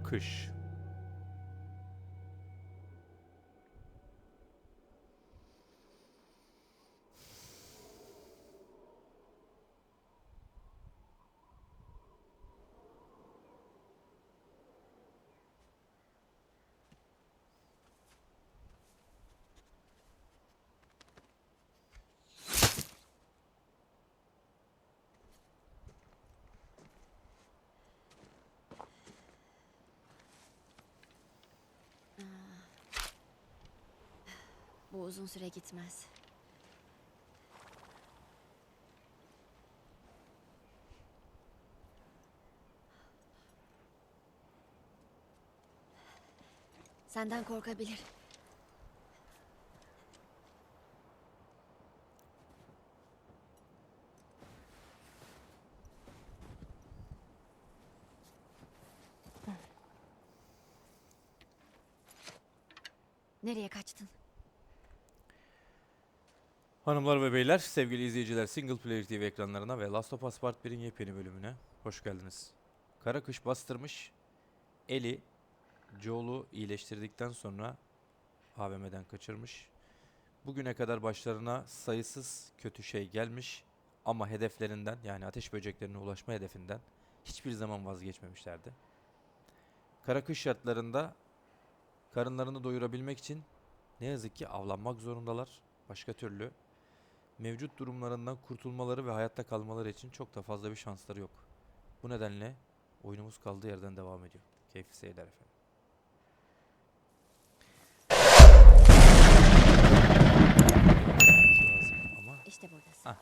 Kış. Bu uzun süre gitmez. Senden korkabilir. Nereye kaçtın? Hanımlar ve beyler, sevgili izleyiciler, Single Player TV ekranlarına ve Last of Us Part 1'in yepyeni bölümüne hoş geldiniz. Kara kış bastırmış, Ellie, Joel'u iyileştirdikten sonra AVM'den kaçırmış. Bugüne kadar başlarına sayısız kötü şey gelmiş ama hedeflerinden, yani ateş böceklerine ulaşma hedefinden hiçbir zaman vazgeçmemişlerdi. Kara kış şartlarında karınlarını doyurabilmek için ne yazık ki avlanmak zorundalar. Başka türlü mevcut durumlarından kurtulmaları ve hayatta kalmaları için çok da fazla bir şansları yok. Bu nedenle oyunumuz kaldığı yerden devam ediyor. Keyifli seyirler efendim. Lazım ama İşte buradasın. ah,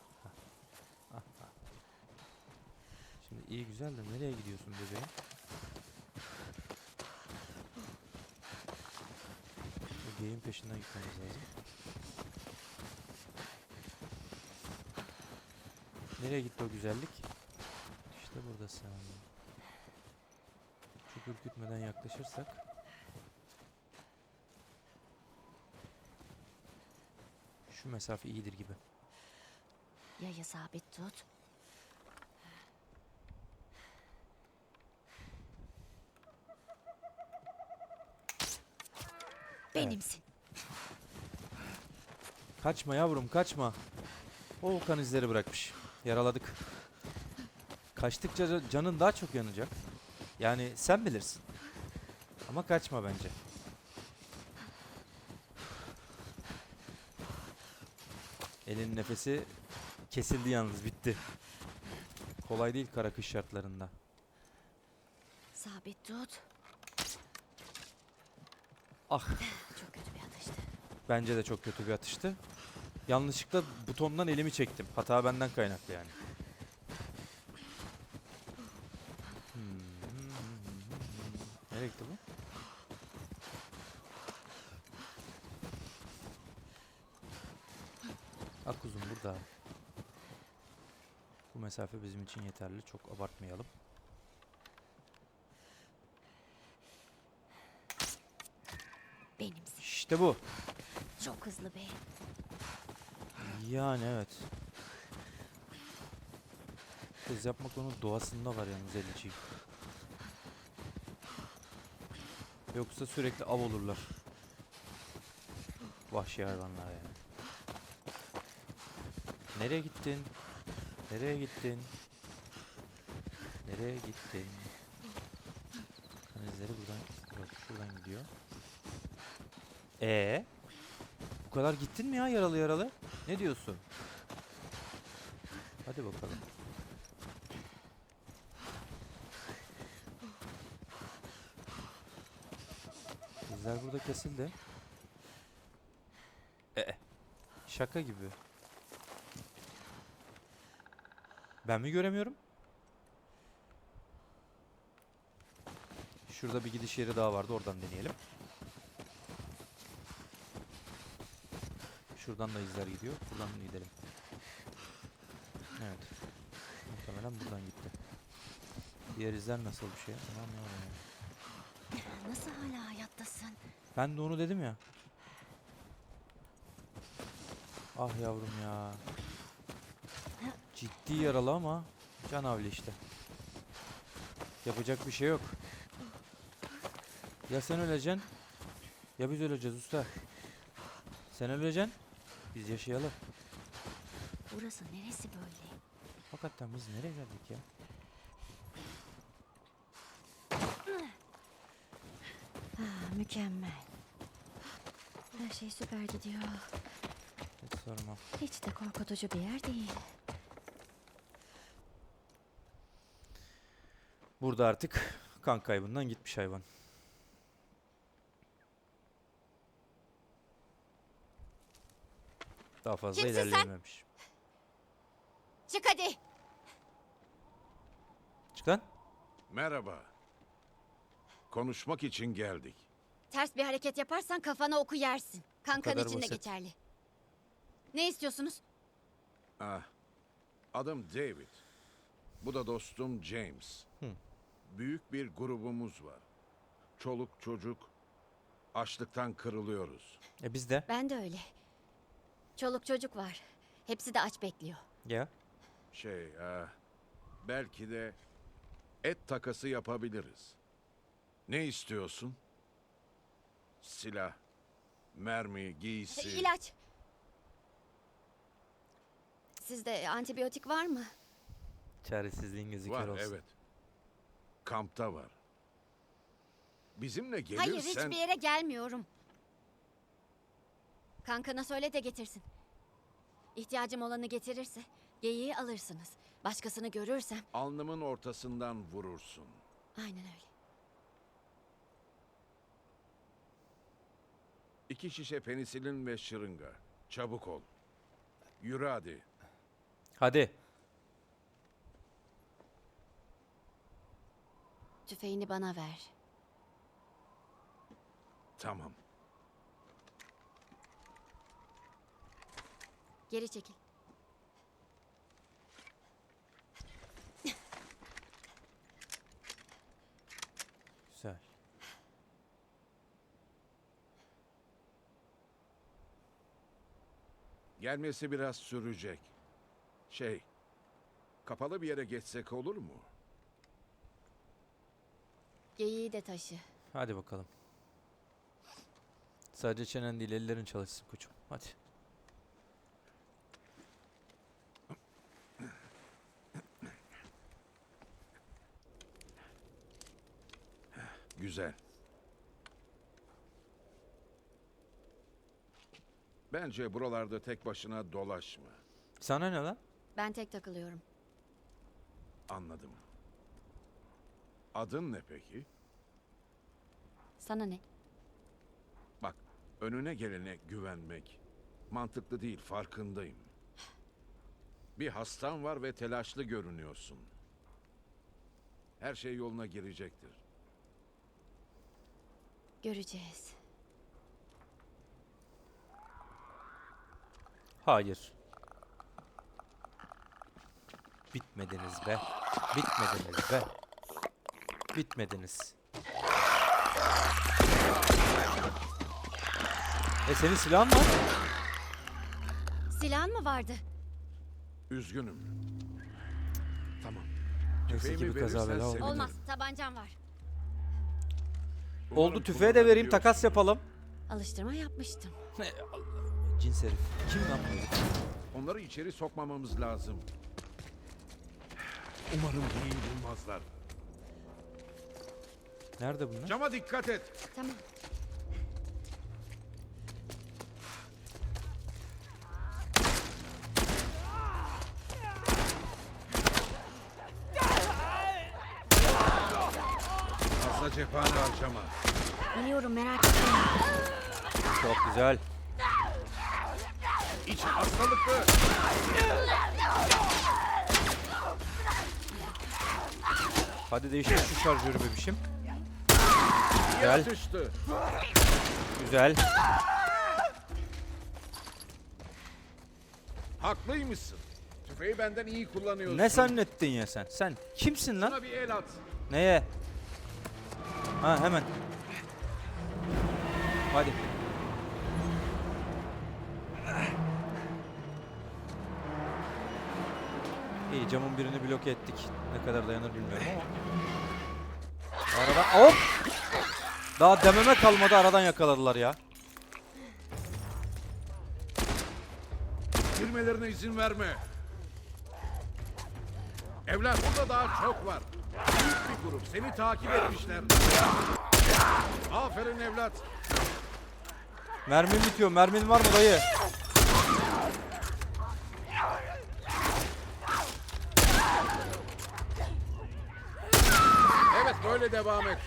şimdi iyi güzel de nereye gidiyorsun bebeğim? Bu geyin peşinden gitmemiz lazım. Nereye gitti o güzellik? İşte buradasın. Çok ürkütmeden yaklaşırsak. Şu mesafe iyidir gibi. Yayı sabit tut. Benimsin. Kaçma yavrum, kaçma. O kan izleri bırakmış. Yaraladık. Kaçtıkça canın daha çok yanacak. Yani sen bilirsin. Ama kaçma bence. Elin nefesi kesildi yalnız, bitti. Kolay değil kara kış şartlarında. Sabit tut. Ah, Çok kötü bir atıştı. bence de çok kötü bir atıştı. Yanlışlıkla butondan elimi çektim. Hata benden kaynaklı yani. Nereye gitti bu? Ah kuzum burada. Bu mesafe bizim için yeterli. Çok abartmayalım. Benimsin. İşte bu. Çok hızlı be. Yani evet. Hız yapmak onun doğasında var yalnız Eliciğim. Yoksa sürekli av olurlar. Vahşi hayvanlar yani. Nereye gittin? Nereye gittin? Nereye gittin? Kan izleri buradan, yok şuradan gidiyor. Bu kadar gittin mi ya yaralı yaralı? Ne diyorsun? Hadi bakalım. İzler burada kesildi. Şaka gibi. Ben mi göremiyorum? Şurada bir gidiş yeri daha vardı. Oradan deneyelim. Şuradan da izler gidiyor. Buradan gidelim. Evet. Muhtemelen buradan gitti. Diğer izler nasıl bir şey? Tamam ya. Nasıl hala hayattasın? Ben de onu dedim ya. Ah yavrum ya. Ciddi yaralı ama canavli işte. Yapacak bir şey yok. Ya sen öleceksin ya biz öleceğiz usta. Sen öleceksin. Biz yaşayalım. Burası neresi böyle? Hakikaten biz nereye geldik ya? Mükemmel. Her şey süper gidiyor. Hiç sorma. Hiç de korkutucu bir yer değil. Burada artık kan kaybından gitmiş hayvan. Daha fazla Kimsin sen? ilerleyememiş. Çık hadi. Çık lan. Merhaba. Konuşmak için geldik. Ters bir hareket yaparsan kafana oku yersin. Kan kadar içinde basit. geçerli. Ne istiyorsunuz? Ah, adım David. Bu da dostum James. Büyük bir grubumuz var. Çoluk çocuk, açlıktan kırılıyoruz. Biz de. Ben de öyle. Çoluk çocuk var. Hepsi de aç bekliyor. Ya. Belki de et takası yapabiliriz. Ne istiyorsun? Silah, mermi, giysi. İlaç. Sizde antibiyotik var mı? Çaresizliğin gözü Var, kör olsun. evet. Kampta var. Bizimle gelirsen... Hayır, hiçbir yere gelmiyorum. Kankana söyle de getirsin. İhtiyacım olanı getirirse geyiği alırsınız. Başkasını görürsem Alnımın ortasından vurursun. aynen öyle. 2 şişe penisilin ve şırınga. Çabuk ol. Yürü hadi. Hadi. Tüfeğini bana ver. Tamam. Geri çekil. Güzel. Gelmesi biraz sürecek. Kapalı bir yere geçsek olur mu? Geyiği de taşı. Hadi bakalım. Sadece çenen değil ellerin çalışsın koçum. Hadi. Güzel. Bence buralarda tek başına dolaşma. Sana ne lan? Ben tek takılıyorum. Anladım. Adın ne peki? Sana ne? Bak, önüne gelene güvenmek mantıklı değil, farkındayım. Bir hastan var ve telaşlı görünüyorsun. Her şey yoluna girecektir. Göreceğiz. Hayır. Bitmediniz be. Bitmediniz be. Bitmediniz. Senin silahın var. Silahın mı vardı? Üzgünüm. Tamam. Neyse ki Tüfeğimi bir kaza verirsen bela olmadı. sevinirim. Olmaz. Tabancam var. Umarım Oldu, tüfeğe de vereyim, takas kullanabiliyorsun. yapalım. Alıştırma yapmıştım. Cins herif. Kim lan bu herif? Onları içeri sokmamamız lazım. Umarım iyi bulmazlar. Nerede bunlar? Cama dikkat et. Tamam. Fazla cephane harcama. Biliyorum, merak etme. Çok güzel. İç hastalıklı. Hadi değiştir şu şarjörü bebişim. İyi Gel. atıştı. Güzel. Haklıymışsın. Tüfeği benden iyi kullanıyorsun. Ne zannettin ya sen? Sen kimsin lan? Bana bir el at. Neye? Ha hemen. Hadi. İyi, camın birini bloke ettik. Ne kadar dayanır bilmiyorum ama. Araba hop! Daha dememe kalmadı, aradan yakaladılar ya. Girmelerine izin verme. Evlat, burada daha çok var. Büyük bir grup. Seni takip etmişler. Aferin evlat. Mermin bitiyor. Mermin var mı dayı? Evet, böyle devam et.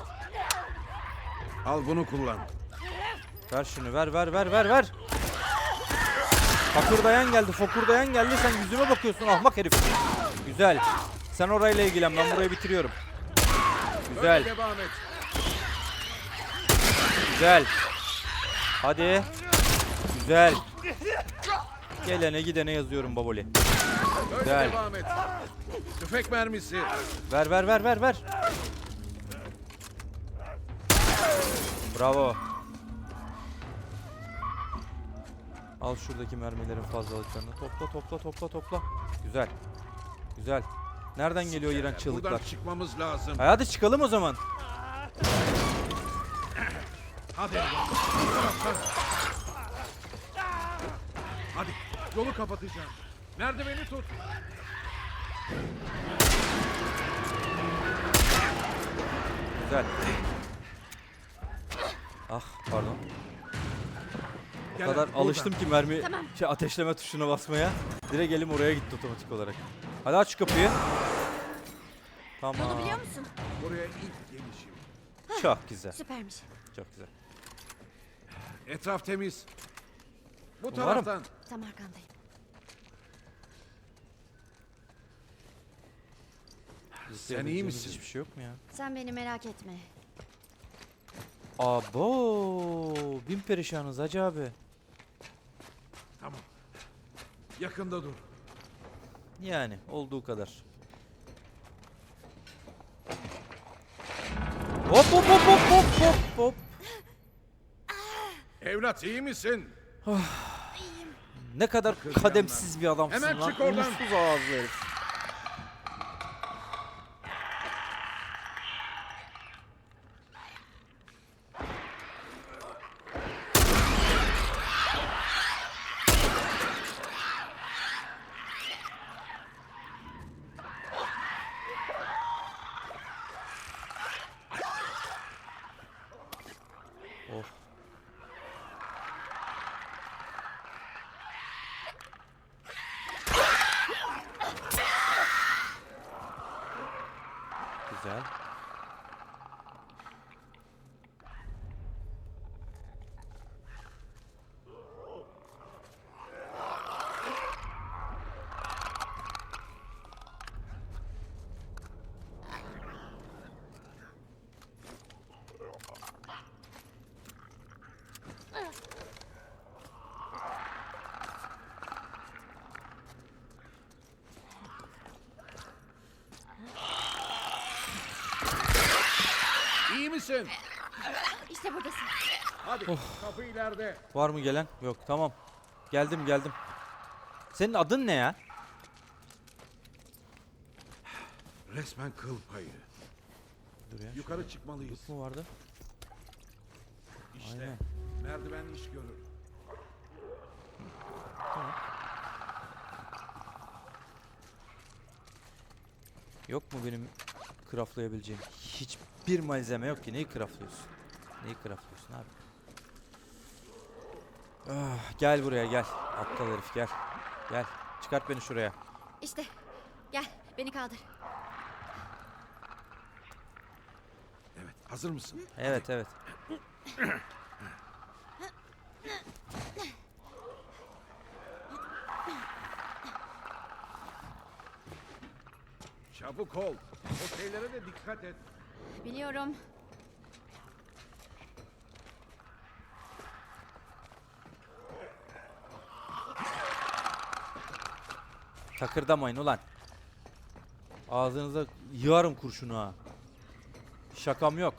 Al bunu kullan. Ver şunu, ver. Fokurdayan geldi, fokurdayan geldi. Sen yüzüme bakıyorsun ahmak herif. Güzel. Sen orayla ilgilen, ben burayı bitiriyorum. Güzel, Böyle devam et. güzel. Hadi. Güzel. Gelene gidene yazıyorum baboli. Böyle Güzel. devam et. Tüfek mermisi. Ver. Bravo. Al şuradaki mermilerin fazlalıklarını. Topla. Güzel. Nereden geliyor iğrenç çığlıklar? Buradan çıkmamız lazım. Hadi çıkalım o zaman. Hadi evlat. Hadi, yolu kapatacağım. Merdiveni tut. Güzel. Ah pardon. O Gel kadar hadi, alıştım ki mermi Tamam. ateşleme tuşuna basmaya. Direkt elim oraya gitti otomatik olarak. Hadi aç şu kapıyı. Tamam. Yolu biliyor musun? Buraya ilk gelişim. Çok güzel. Süpermiş. Çok güzel. Etraf temiz. Bu Umarım. taraftan. Tam arkandayım. Sen iyi misin? Hiçbir şey yok mu ya? Sen beni merak etme. Abo, bin perişanız hacı abi. Tamam. Yakında dur. Yani olduğu kadar. Hop. Evlat, iyi misin? Ne kadar kademsiz bir adamsın Hemen lan. çık oradan. Uğursuz ağızlı herif. Oh. Güzel. İyi misin? İşte buradasın. Hadi, kapı ileride. Var mı gelen? Yok, tamam. Geldim. Senin adın ne ya? Resmen kıl payı. Dur ya. Yukarı çıkmalıyız. Şu mu vardı? İşte. Aynen. Merdiven iş görür. Yok mu benim craftlayabileceğim? Hiçbir malzeme yok ki. Neyi craftlıyorsun? Abi? Ah, gel buraya gel. Aptal herif gel. Gel. Çıkart beni şuraya. İşte. Gel beni kaldır. Evet, hazır mısın? Evet. Çabuk ol. O şeylere de dikkat et. Biliyorum. Takırdamayın ulan. Ağzınıza yığarım kurşunu ha. Şakam yok.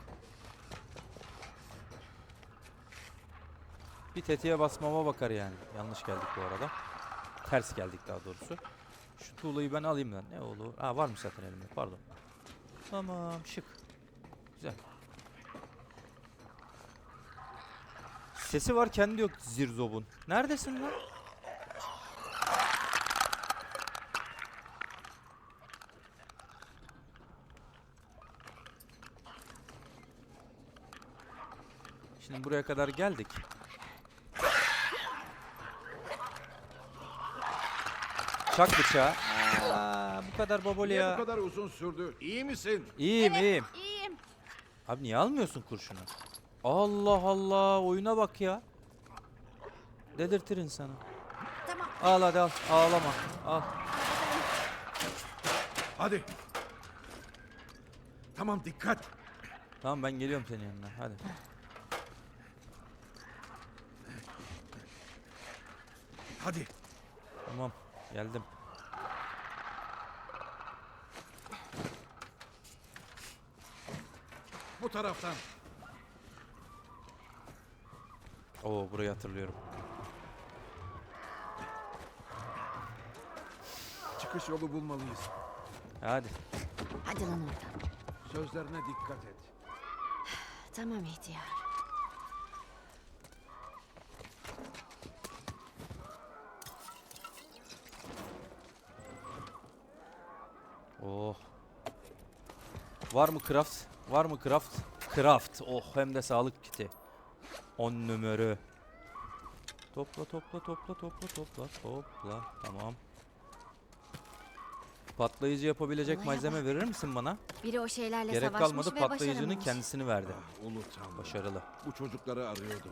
Bir tetiğe basmama bakar yani. Yanlış geldik bu arada. Ters geldik daha doğrusu. Şu tuğlayı ben alayım lan. Ne olur? Aa varmış zaten elimde. Pardon. Tamam şık. Güzel. Sesi var kendi yok Zirzob'un. Neredesin lan? Şimdi buraya kadar geldik. Çak bıçağı. Bu kadar baboli Niye bu ya. kadar uzun sürdü? İyi misin? İyiyim iyiyim. İyiyim. Abi niye almıyorsun kurşunu? Allah Allah, oyuna bak ya. Dedirtir insanı. Tamam. Al hadi al. Ağlama. Al. Hadi. Tamam, dikkat. Tamam ben geliyorum senin yanına. Hadi. Hadi. Tamam. Geldim. Bu taraftan. Oo, burayı hatırlıyorum. Çıkış yolu bulmalıyız. Hadi. Hadi lan oradan. Sözlerine dikkat et. Tamam ihtiyar. Oh. Var mı craft? Var mı craft? Craft. Oh, hem de sağlık kiti. 10 numara. Topla topla topla topla topla topla. Tamam. Patlayıcı yapabilecek Olaya malzeme bak. verir misin bana? Biri o şeylerle Gerek savaşmış kalmadı, ve patlayıcının başaramamış. kendisini verdi. Ah, Ulu Tanrım. Başarılı. Bu çocukları arıyordum.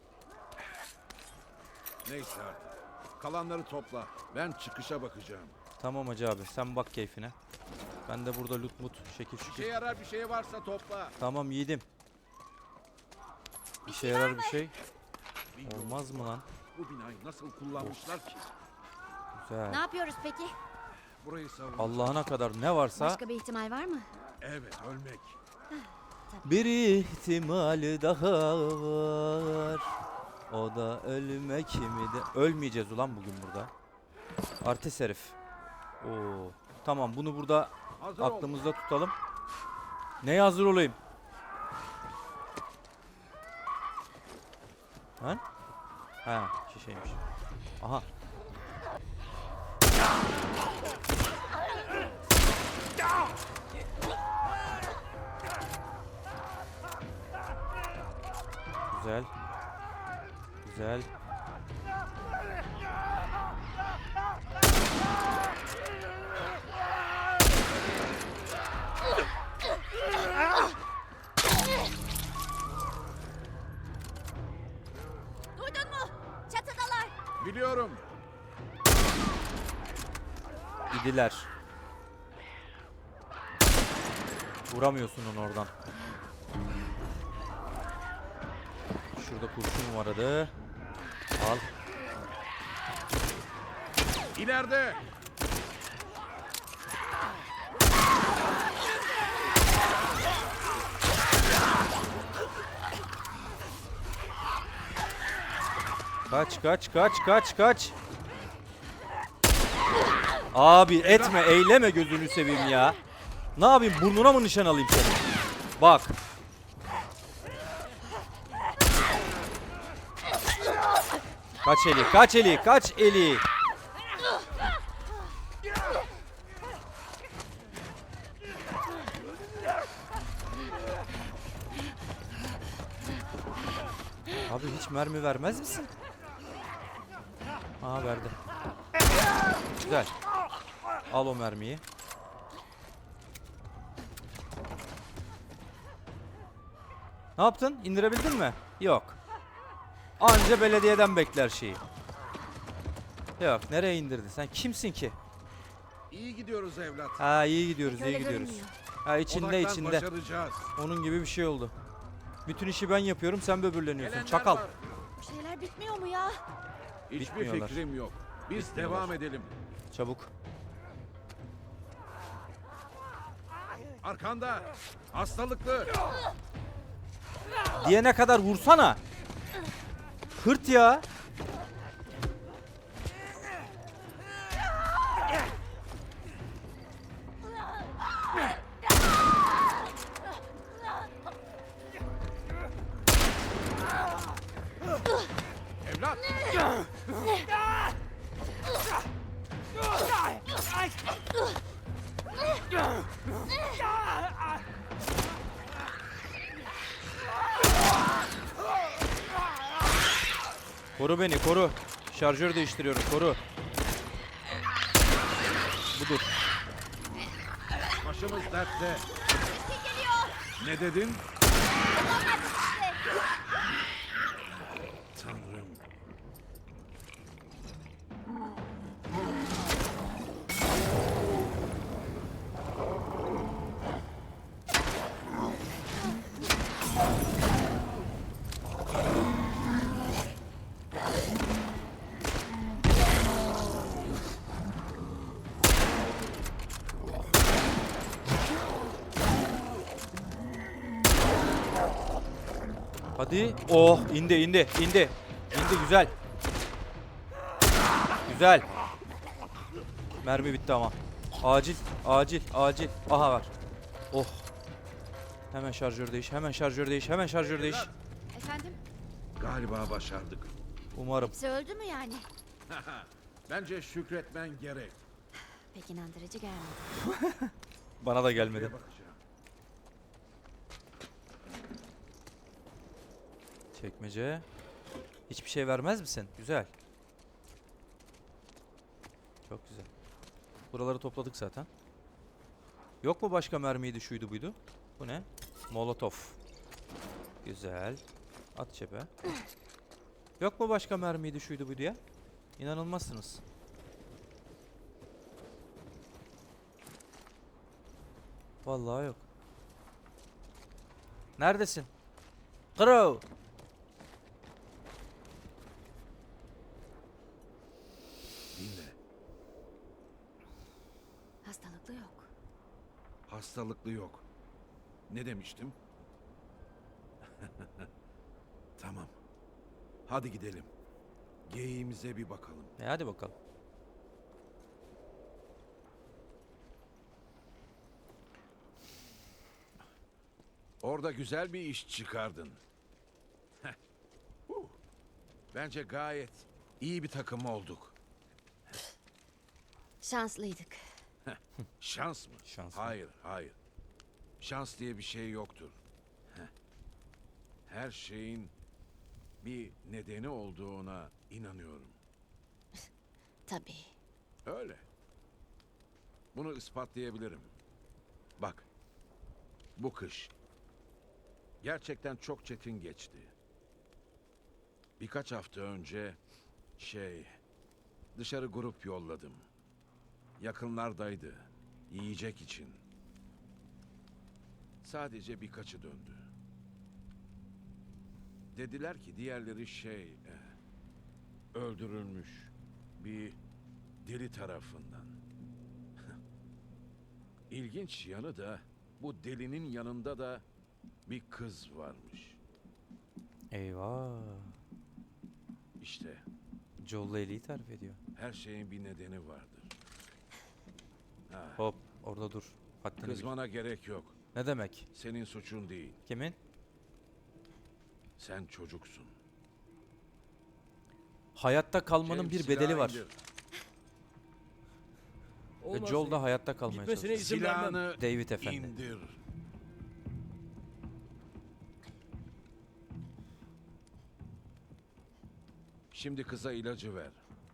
Neyse artık. Kalanları topla. Ben çıkışa bakacağım. Tamam hacı abi, sen bak keyfine. Ben de burada loot mut şekil Bir şükür. şey yarar, bir şey varsa topla. Tamam yiğidim. İşe yarar bir şey. Bilmiyorum. Olmaz mı lan? Bu binayı nasıl kullanmışlar ki? Güzel. Ne yapıyoruz peki? Burayı savun. Allah'ına kadar ne varsa Başka bir ihtimal var mı? Evet, ölmek. bir ihtimal daha var. O da ölmek mi de... Ölmeyeceğiz ulan bugün burada. Artist herif. Oo. Tamam, bunu burada Hazır ol. aklımızda tutalım. Neye hazır olayım? Lan? Ha, şişeymiş. Aha. Güzel. Güzel. Duydun mu? Çatıdalar. Biliyorum. İdiler. Vuramıyorsun onu oradan. Şurada kurşun vardı. Al. İleride. Kaç kaç kaç kaç kaç. Abi etme, eyleme, gözünü seveyim ya. Ne yapayım, burnuna mı nişan alayım seni? Bak. Kaç eli, kaç eli, kaç eli. Abi hiç mermi vermez misin? Aha, verdi. Güzel. Al o mermiyi. Ne yaptın? İndirebildin mi? Yok. Anca belediyeden bekler şeyi. Yok, nereye indirdin? Sen kimsin ki? İyi gidiyoruz evlat. Ha, iyi gidiyoruz, iyi Öyle gidiyoruz. görünmüyor. Ha, içinde Odaklan, içinde. başaracağız. Onun gibi bir şey oldu. Bütün işi ben yapıyorum, sen böbürleniyorsun. Gelenler Çakal. var. Bu şeyler bitmiyor mu ya? Hiçbir Bitmiyorlar. fikrim yok. Biz Bitmiyorlar. devam edelim. Çabuk. Arkanda. Hastalıklı. Diyene kadar vursana. Hırt ya. Koru beni, koru. Şarjör değiştiriyorum, koru. Budur. Başımız dertte. Ne dedin? Tanrım. Hadi. Oh, indi, indi, indi. İndi, güzel. Güzel. Mermi bitti ama. Acil, acil, acil. Aha var. Oh. Hemen şarjör değiş, hemen şarjör değiş, hemen şarjör değiş. Efendim? Galiba başardık. Umarım. Hepsi öldü mü yani? Bence şükretmen gerek. Pek inandırıcı gelmedi. Bana da gelmedi. Şuraya bakacağım. Çekmece. Hiçbir şey vermez misin? Güzel. Çok güzel. Buraları topladık zaten. Yok mu başka mermiydi, şuydu buydu? Bu ne? Molotov. Güzel. At cebe. Yok mu başka mermiydi, şuydu buydu ya? İnanılmazsınız. Vallahi yok. Neredesin? Crow. Dinle. Hastalıklı yok. Hastalıklı yok. Ne demiştim? Tamam. Hadi gidelim. Geyiğimize bir bakalım. Hadi bakalım. Orada güzel bir iş çıkardın. Heh. Bence gayet iyi bir takım olduk. Şanslıydık. Şans mı? Şans mı? Hayır, hayır. Şans diye bir şey yoktur. Heh. Her şeyin bir nedeni olduğuna inanıyorum. Tabii. Öyle. Bunu ispatlayabilirim. Bak. Bu kış gerçekten çok çetin geçti. Birkaç hafta önce dışarı grup yolladım. Yakınlardaydı. Yiyecek için. Sadece birkaçı döndü. Dediler ki diğerleri öldürülmüş. Bir deli tarafından. İlginç yanı da bu delinin yanında da bir kız varmış. Eyvah. İşte Joel'la Ellie'yi tarif ediyor. her şeyin bir nedeni vardır. Ha, Hop, orada dur. Haddini bil. kızmana gerek yok. Ne demek? Senin suçun değil. Kimin? Sen çocuksun. Hayatta kalmanın James, bir bedeli silahı var. indir. Ve Olmaz Joel da David. hayatta kalmaya Gitmesine çalışıyor. izin vermem. Silahını David efendi. indir. Şimdi kıza ilacı ver.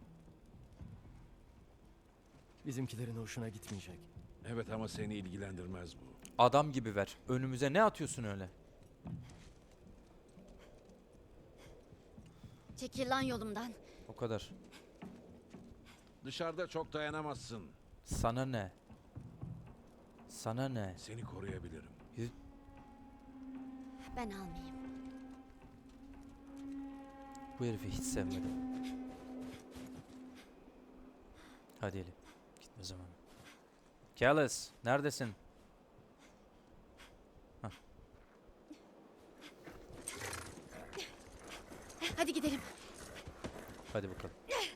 Bizimkilerin hoşuna gitmeyecek. Evet ama seni ilgilendirmez bu. Adam gibi ver. Önümüze ne atıyorsun öyle? Çekil lan yolumdan. O kadar. Dışarıda çok dayanamazsın. Sana ne? Sana ne? Seni koruyabilirim. Ben almayayım. Bu herifi hiç sevmedim. Hadi Ellie. Gitme zamanı. Callus, neredesin? Hadi gidelim. Hadi bakalım.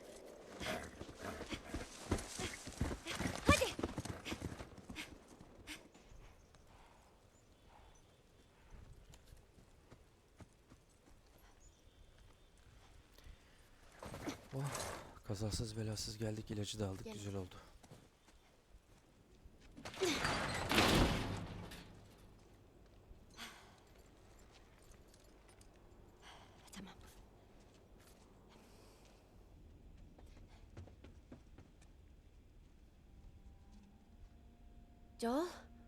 Hadi. Kazasız belasız geldik, ilacı da aldık. Gel. Güzel oldu. Tamam. Joel,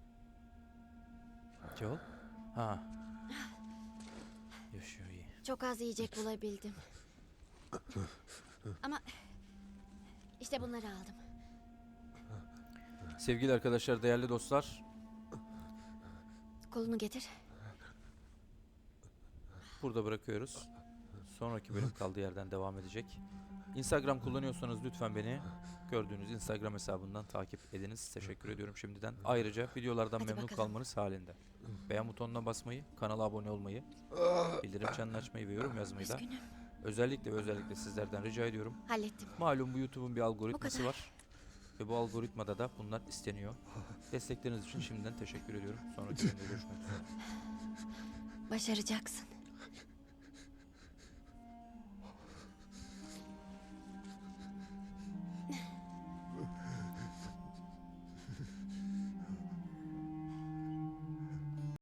Joel? Ha. Yaşıyor iyi. çok az yiyecek bulabildim. Ama işte bunları aldım. Sevgili arkadaşlar, değerli dostlar, Kolunu getir. burada bırakıyoruz. Sonraki bölüm kaldığı yerden devam edecek. Instagram kullanıyorsanız lütfen beni gördüğünüz Instagram hesabından takip ediniz. Teşekkür ediyorum şimdiden. Ayrıca videolardan Hadi memnun bakalım. kalmanız halinde beğen butonuna basmayı, kanala abone olmayı, bildirim çanını açmayı ve yorum yazmayı da Üzgünüm. özellikle ve özellikle sizlerden rica ediyorum. Hallettim. Malum bu YouTube'un bir algoritması kadar. var. Ve bu algoritmada da bunlar isteniyor. Destekleriniz için şimdiden teşekkür ediyorum. Sonraki bölümde görüşmek üzere. Başaracaksın.